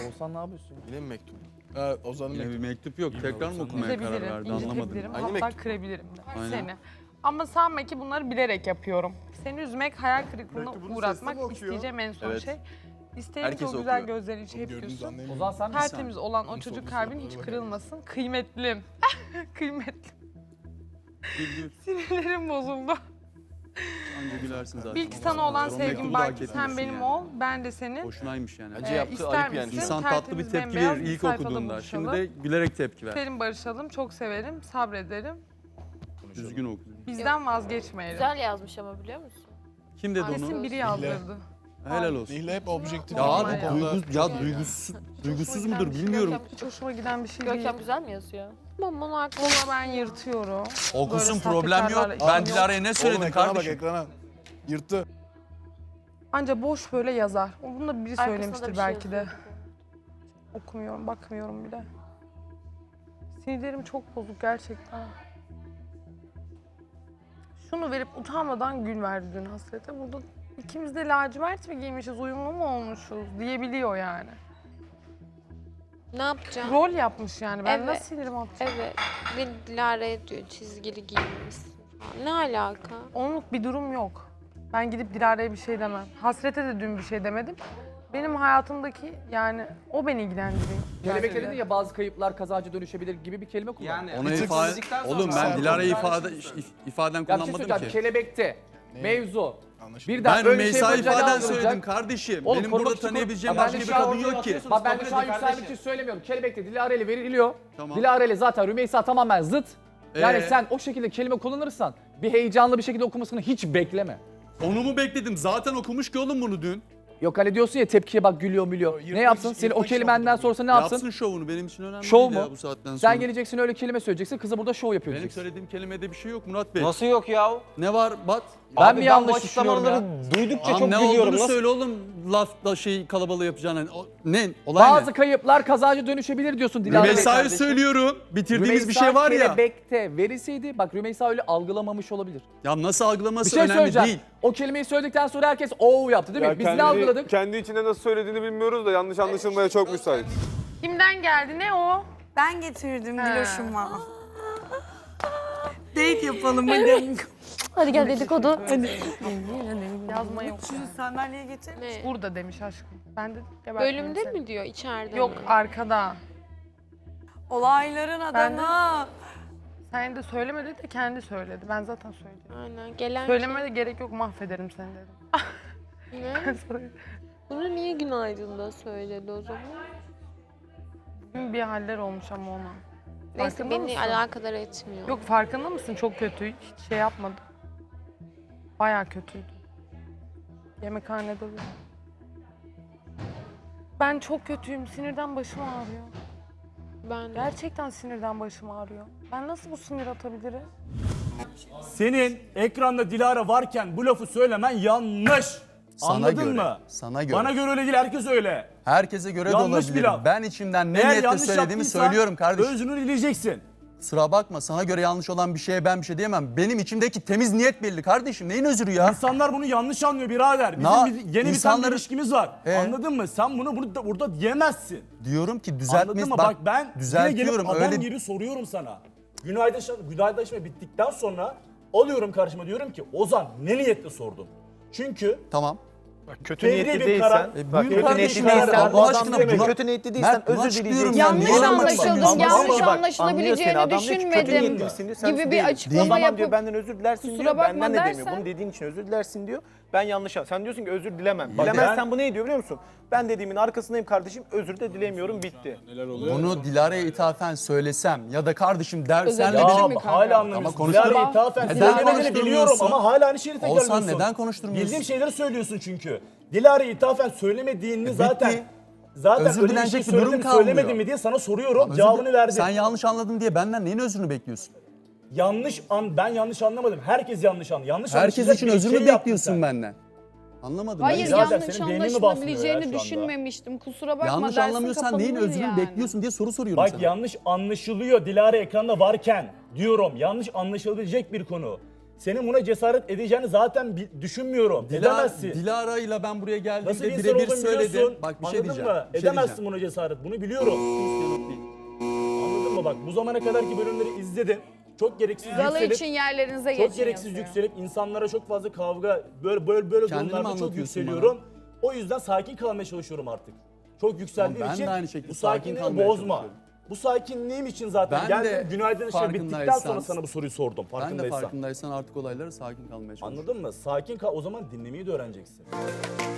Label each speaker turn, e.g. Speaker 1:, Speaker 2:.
Speaker 1: Olsan ne yapıyorsun?
Speaker 2: Yine mi mektup?
Speaker 3: Ozan'ın
Speaker 4: Yine bir
Speaker 3: mektubu.
Speaker 4: mektup yok. Tekrar mı okumaya karar
Speaker 5: Üzebilirim,
Speaker 4: verdi anlamadım.
Speaker 5: incitebilirim,
Speaker 2: Aynı
Speaker 5: hatta
Speaker 2: mektup.
Speaker 5: kırabilirim de
Speaker 4: Aynen.
Speaker 5: seni. Ama sanma ki bunları bilerek yapıyorum. Seni üzmek, hayal kırıklığına
Speaker 2: Mektubunu sesli
Speaker 5: uğratmak
Speaker 2: mi okuyor?
Speaker 5: isteyeceğim en son
Speaker 2: Evet.
Speaker 5: şey. İsterim
Speaker 2: Herkes
Speaker 5: ki o güzel
Speaker 2: okuyor.
Speaker 5: gözlerin içi hep
Speaker 3: Gördüğünüz
Speaker 5: gülsün.
Speaker 3: anlayın.
Speaker 1: Ozan sen misin?
Speaker 5: Tertemiz olan o
Speaker 3: Bunu
Speaker 5: çocuk
Speaker 3: sordu,
Speaker 5: kalbin
Speaker 3: sordu,
Speaker 5: hiç
Speaker 3: sordu.
Speaker 5: kırılmasın. Kıymetlim. Kıymetlim.
Speaker 4: Gül gül.
Speaker 5: Sinirlerim bozuldu.
Speaker 4: Anca gülersin zaten.
Speaker 5: Bil ki sana olan
Speaker 4: O
Speaker 5: sevgim
Speaker 4: mektubu da hak
Speaker 5: baki sen
Speaker 4: etmiyorsun
Speaker 5: benim
Speaker 4: yani.
Speaker 5: ol, ben de senin.
Speaker 4: Boşunaymış yani.
Speaker 2: Bence yaptığı
Speaker 5: ister
Speaker 2: ayıp yani.
Speaker 5: misin?
Speaker 4: İnsan tatlı bir
Speaker 5: Tertemiz,
Speaker 4: tepki
Speaker 5: bembeyaz
Speaker 4: verir
Speaker 5: bir
Speaker 4: ilk
Speaker 5: sayfada
Speaker 4: okuduğunda.
Speaker 5: buluşalım.
Speaker 4: Şimdi de gülerek tepki ver.
Speaker 5: Selim barışalım, çok severim, sabrederim.
Speaker 4: Düzgün oku.
Speaker 5: Bizden vazgeçmeyelim.
Speaker 6: Güzel yazmış ama biliyor musun?
Speaker 4: Kim dedi
Speaker 6: Annesi
Speaker 4: onu?
Speaker 5: Kesin biri yazdırdı.
Speaker 4: Helal olsun.
Speaker 3: Nihle hep objektif.
Speaker 4: Ya
Speaker 5: Normal
Speaker 4: abi
Speaker 5: ya.
Speaker 4: duygusuz mudur bilmiyorum.
Speaker 5: Hiç hoşuma giden bir şey değil.
Speaker 6: Görkem güzel mi yazıyor? Aman aklım.
Speaker 5: Ona ben yırtıyorum.
Speaker 4: Okusun
Speaker 5: Böyle
Speaker 4: problem yok.
Speaker 5: sahtekarlarla
Speaker 4: Ben
Speaker 5: işim
Speaker 4: Dilara'ya ne
Speaker 3: Oğlum
Speaker 4: söyledim
Speaker 3: ekrana bak
Speaker 4: kardeşim?
Speaker 3: ekrana. Yırttı.
Speaker 5: Anca boş böyle yazar. Bunu da biri
Speaker 6: Arkasına da
Speaker 5: söylemiştir
Speaker 6: bir şey
Speaker 5: belki de.
Speaker 6: yazıyor.
Speaker 5: Okumuyorum, bakmıyorum bile. Sinirlerim çok bozuk gerçekten. Şunu verip utanmadan gün verdi dün hasrete. Burada ikimiz de lacivert mi giymişiz, uyumlu mu olmuşuz diyebiliyor yani.
Speaker 6: Ne yapacağım?
Speaker 5: Rol yapmış yani. Ben
Speaker 6: Evet.
Speaker 5: nasıl sinirim atacağım?
Speaker 6: Evet. Bir Dilara'ya diyor çizgili giyinmişsin falan. Ne alaka?
Speaker 5: Onluk bir durum yok. Ben gidip Dilara'ya bir şey demem. Hasrete de dün bir şey demedim. Benim hayatımdaki yani o beni ilgilendiriyor.
Speaker 1: Kelebekte dedin ya bazı kayıplar kazancı dönüşebilir gibi bir kelime kullan.
Speaker 7: Yani
Speaker 4: Ona
Speaker 3: tık
Speaker 4: ifade...
Speaker 7: dedikten sonra
Speaker 4: Oğlum ben
Speaker 3: sen
Speaker 4: Dilara'yı
Speaker 7: konuşarsın.
Speaker 4: ifaden
Speaker 1: Ya bir şey
Speaker 4: kullanmadım
Speaker 1: söyleyeceğim.
Speaker 4: ki.
Speaker 1: Kelebekte mevzu.
Speaker 3: Anlaşıldı.
Speaker 1: Birden
Speaker 4: Ben
Speaker 1: böyle şey
Speaker 4: Rümeysa
Speaker 1: yapınca ne
Speaker 4: ifaden
Speaker 1: algılayacak?
Speaker 4: söyledim kardeşim.
Speaker 1: Oğlum,
Speaker 4: Benim
Speaker 1: korumak
Speaker 4: burada
Speaker 1: için
Speaker 4: tanıyabileceğim
Speaker 1: Ben
Speaker 4: başka
Speaker 1: de
Speaker 4: bir
Speaker 1: şu an
Speaker 4: kadın yok ki.
Speaker 1: Bak ben de şu an
Speaker 7: Kabul edin
Speaker 1: yükselmek için
Speaker 7: kardeşim.
Speaker 1: söylemiyorum. Kelebekte Dilara ile veriliyor.
Speaker 4: Tamam.
Speaker 1: Dilara ile zaten Rümeysa tamamen zıt. Yani
Speaker 4: Ee?
Speaker 1: sen o şekilde kelime kullanırsan bir heyecanlı bir şekilde okumasını hiç bekleme.
Speaker 4: Onu mu bekledim? Zaten okumuş ki oğlum bunu dün.
Speaker 1: Yok hani diyorsun ya tepkiye bak gülüyor mülüyor.
Speaker 3: Yırtmak
Speaker 1: Ne yapsın?
Speaker 3: için-
Speaker 1: Seni o
Speaker 3: yırtmak için
Speaker 1: kelimenden
Speaker 3: okudum.
Speaker 1: sonrası ne yapsın?
Speaker 4: Yapsın şovunu benim için önemli
Speaker 1: Şov
Speaker 4: değil
Speaker 1: mu?
Speaker 4: ya bu saatten sonra.
Speaker 1: Sen geleceksin öyle kelime söyleyeceksin. Kıza burada şov yapıyor
Speaker 4: Benim
Speaker 1: diyeceksin.
Speaker 4: söylediğim kelimede bir şey yok Murat Bey.
Speaker 7: Nasıl yok ya?
Speaker 4: Ne var Bat?
Speaker 1: Ben
Speaker 7: Abi
Speaker 1: mi
Speaker 7: bu
Speaker 1: yanlış düşünüyorum ya?
Speaker 7: açıklamaları duydukça
Speaker 4: Lan
Speaker 7: çok
Speaker 4: ne
Speaker 7: gülüyorum.
Speaker 4: olduğunu
Speaker 7: Nasıl?
Speaker 4: söyle oğlum. Lafta şey kalabalığı yapacağını. Ne? Olay
Speaker 1: Bazı
Speaker 4: ne?
Speaker 1: kayıplar kazancı dönüşebilir diyorsun Dilara Bey
Speaker 4: Rümeysa'yı
Speaker 1: kardeşim.
Speaker 4: söylüyorum. Bitirdiğimiz
Speaker 1: Rümeysa
Speaker 4: bir şey var ya.
Speaker 1: kelebekte verilseydi bak Rümeysa öyle algılamamış olabilir.
Speaker 4: Ya nasıl
Speaker 1: Bir
Speaker 4: algılaması
Speaker 1: şey
Speaker 4: önemli
Speaker 1: söyleyeceğim.
Speaker 4: değil.
Speaker 1: O kelimeyi söyledikten sonra herkes ooo yaptı değil mi? Biz ne algıladık?
Speaker 8: Kendi içinde nasıl söylediğini bilmiyoruz da yanlış anlaşılmaya çok müsait.
Speaker 5: Kimden geldi ne o?
Speaker 9: Ben getirdim
Speaker 5: He.
Speaker 9: Diloş'uma. Date yapalım hadi.
Speaker 6: Hadi gel dedikodu.
Speaker 5: Yazma yok.
Speaker 9: Şu sandalyeye getir.
Speaker 6: Ne?
Speaker 5: Burada demiş aşkım. Ben de gebertmeyeyim
Speaker 6: Bölümde
Speaker 5: seni.
Speaker 6: mi diyor içeride
Speaker 5: Yok
Speaker 6: mi?
Speaker 5: arkada.
Speaker 9: Olayların
Speaker 5: Ben de-
Speaker 9: adamı.
Speaker 5: Sen de söylemedi de kendi söyledi. Ben zaten söyledim.
Speaker 6: Aynen gelen
Speaker 5: Söylememe de gerek yok, mahvederim seni dedim.
Speaker 6: Ne? Bunu niye günaydın'da söyledi o zaman?
Speaker 5: Bugün bir haller olmuş ama ona.
Speaker 6: Neyse
Speaker 5: Farkında
Speaker 6: beni
Speaker 5: mısın?
Speaker 6: alakadar etmiyor.
Speaker 5: Yok farkında mısın? Çok kötü. Hiç şey yapmadı. Bayağı kötüydü. Yemekhanede de. Ben çok kötüyüm. Sinirden başım ağrıyor.
Speaker 6: Ben de.
Speaker 5: Gerçekten sinirden başım ağrıyor. Ben nasıl bu sinir atabilirim?
Speaker 10: Senin ekranda Dilara varken bu lafı söylemen yanlış.
Speaker 4: Sana
Speaker 10: Anladın
Speaker 4: göre,
Speaker 10: mı?
Speaker 4: sana göre.
Speaker 10: Bana göre öyle değil, herkes öyle.
Speaker 4: Herkese göre de
Speaker 10: Yanlış bir
Speaker 4: olabilir.
Speaker 10: laf.
Speaker 4: Ben içimden ne
Speaker 10: Eğer
Speaker 4: niyetle
Speaker 10: yanlış
Speaker 4: söylediğimi
Speaker 10: yaptıysan
Speaker 4: söylüyorum kardeşim.
Speaker 10: özrünü dileyeceksin.
Speaker 4: Sıra bakma, sana göre yanlış olan bir şeye ben bir şey diyemem. Benim içimdeki temiz niyet belli kardeşim. Neyin özrü ya?
Speaker 10: İnsanlar bunu yanlış anlıyor birader. Bizim
Speaker 4: Na-
Speaker 10: yeni bir
Speaker 4: insanları-
Speaker 10: ilişkimiz var. Anladın mı? Sen bunu burada diyemezsin.
Speaker 4: Diyorum ki
Speaker 10: Anladın
Speaker 4: düzeltmeyiz.
Speaker 10: mı? Bak ben yine gelip
Speaker 4: düzeltiyorum.
Speaker 10: adam
Speaker 4: Öyle
Speaker 10: gibi soruyorum sana. Günaydınlaşma bittikten sonra alıyorum karşıma diyorum ki Ozan ne niyetle sordum? Çünkü
Speaker 4: tamam.
Speaker 8: Kötü
Speaker 10: fevri
Speaker 8: niyetli
Speaker 10: bir
Speaker 8: değilsen,
Speaker 10: karar.
Speaker 4: buyur
Speaker 8: kötü
Speaker 4: kardeşim
Speaker 8: niyetli
Speaker 4: ya.
Speaker 8: değilsen,
Speaker 4: Allah aşkına buna-
Speaker 8: kötü niyetli değilsen
Speaker 4: Mert, buna
Speaker 8: özür
Speaker 4: açıklıyorum
Speaker 8: dileyeceksin.
Speaker 4: ya.
Speaker 11: Yanlış
Speaker 4: Neyi anlamak
Speaker 11: anlaşıldım,
Speaker 4: istemiyorsun?
Speaker 11: yanlış
Speaker 8: Ama bak,
Speaker 11: anlaşılabileceğini
Speaker 8: anlıyor seni. Adam diyor ki, kötü
Speaker 11: düşünmedim
Speaker 8: niyetlisin diyor, sen
Speaker 11: gibi bir
Speaker 8: değilim. O
Speaker 11: açıklama
Speaker 8: zaman diyor
Speaker 11: yapıp
Speaker 8: benden özür dilersin
Speaker 11: kusura
Speaker 8: diyor,
Speaker 11: bakma
Speaker 8: benden de demiyor.
Speaker 11: dersen-
Speaker 8: Bunu dediğin için özür dilersin diyor. Ben yanlış Sen diyorsun ki özür dilemem.
Speaker 10: Bak
Speaker 8: Dilemezsen bu ne diyor biliyor musun? Ben dediğimin arkasındayım kardeşim, özür de dilemiyorum, bitti.
Speaker 4: Bunu Dilara'ya ithafen söylesem ya da kardeşim der
Speaker 11: Özel
Speaker 4: senle
Speaker 11: bir
Speaker 4: benim...
Speaker 11: şey mi
Speaker 10: ya
Speaker 11: kanka?
Speaker 10: hala anlamıyorsun.
Speaker 4: Ama konuşma-
Speaker 10: Dilara'ya ithafen
Speaker 4: Neden
Speaker 10: söylemediğini
Speaker 4: konuşturmuyorsun?
Speaker 10: biliyorum ama hala aynı şeyi tekrarlıyorsun.
Speaker 4: Oğuzhan neden konuşturmuyorsun?
Speaker 10: Bildiğim şeyleri söylüyorsun çünkü. Dilara'ya ithafen söylemediğini zaten
Speaker 4: Özür
Speaker 10: öyle bir
Speaker 4: dilenecek
Speaker 10: şey
Speaker 4: bir durum
Speaker 10: söyledim
Speaker 4: kalmıyor.
Speaker 10: söylemedim mi diye sana soruyorum.
Speaker 4: Özür
Speaker 10: Cevabını
Speaker 4: dilerim.
Speaker 10: verdim.
Speaker 4: Sen yanlış anladın diye benden neyin özrünü bekliyorsun?
Speaker 10: Ben yanlış anlamadım. Herkes yanlış anladı. Yanlış
Speaker 4: Herkes
Speaker 10: anlaşılacak
Speaker 4: için
Speaker 10: bir
Speaker 4: özür
Speaker 10: şey
Speaker 4: mü
Speaker 10: yaptın
Speaker 4: bekliyorsun
Speaker 10: sen.
Speaker 4: benden? Anlamadım.
Speaker 11: Hayır
Speaker 4: ben.
Speaker 10: Birader,
Speaker 11: yanlış
Speaker 10: senin beynini basmıyor ya
Speaker 11: anlaşılabileceğini
Speaker 10: şu anda.
Speaker 11: düşünmemiştim. Kusura bakma
Speaker 4: Yanlış
Speaker 11: dersin
Speaker 4: anlamıyorsan neyin
Speaker 11: kapanılır
Speaker 4: özrünü
Speaker 11: yani.
Speaker 4: bekliyorsun diye soru soruyorum
Speaker 10: Bak
Speaker 4: sana.
Speaker 10: yanlış anlaşılıyor Dilara ekranda varken diyorum. Yanlış anlaşılabilecek bir konu. senin buna cesaret edeceğini zaten düşünmüyorum. Edemezsin.
Speaker 4: Dilara ile ben buraya
Speaker 10: Nasıl
Speaker 4: geldiğimde
Speaker 10: bir insan
Speaker 4: birebir
Speaker 10: olduğunu
Speaker 4: söyledim.
Speaker 10: biliyorsun.
Speaker 4: Bak bir şey
Speaker 10: Anladın
Speaker 4: diyeceğim.
Speaker 10: mı?
Speaker 4: Bir şey
Speaker 10: Edemezsin
Speaker 4: diyeceğim.
Speaker 10: buna cesaret. Bunu biliyorum.
Speaker 4: Yanıt değil.
Speaker 10: Anladın mı? Bak bu zamana kadarki bölümleri izledim. Çok gereksiz
Speaker 11: Galı
Speaker 10: yükselip,
Speaker 11: için yerlerinize geçin
Speaker 10: çok gereksiz
Speaker 11: yazıyor.
Speaker 10: yükselip insanlara çok fazla kavga böyle
Speaker 4: Kendini mi
Speaker 10: durumlarda çok
Speaker 4: anlatıyorsun
Speaker 10: yükseliyorum. O yüzden sakin kalmaya çalışıyorum artık. Çok yükseldiğim
Speaker 4: Ama ben
Speaker 10: için
Speaker 4: de aynı şekilde
Speaker 10: bu
Speaker 4: sakin
Speaker 10: sakinliği
Speaker 4: kalmaya
Speaker 10: bozma.
Speaker 4: çalışıyorum.
Speaker 10: Bu sakinliğim için zaten
Speaker 4: Ben de
Speaker 10: geldim. Günaydın işte bittikten sonra
Speaker 4: farkındaysan-
Speaker 10: sana bu soruyu sordum.
Speaker 4: Ben de
Speaker 10: Farkındaysan.
Speaker 4: farkındaysan artık olaylara sakin kalmaya çalışıyorum.
Speaker 10: Anladın mı? Sakin kal. O zaman dinlemeyi de öğreneceksin.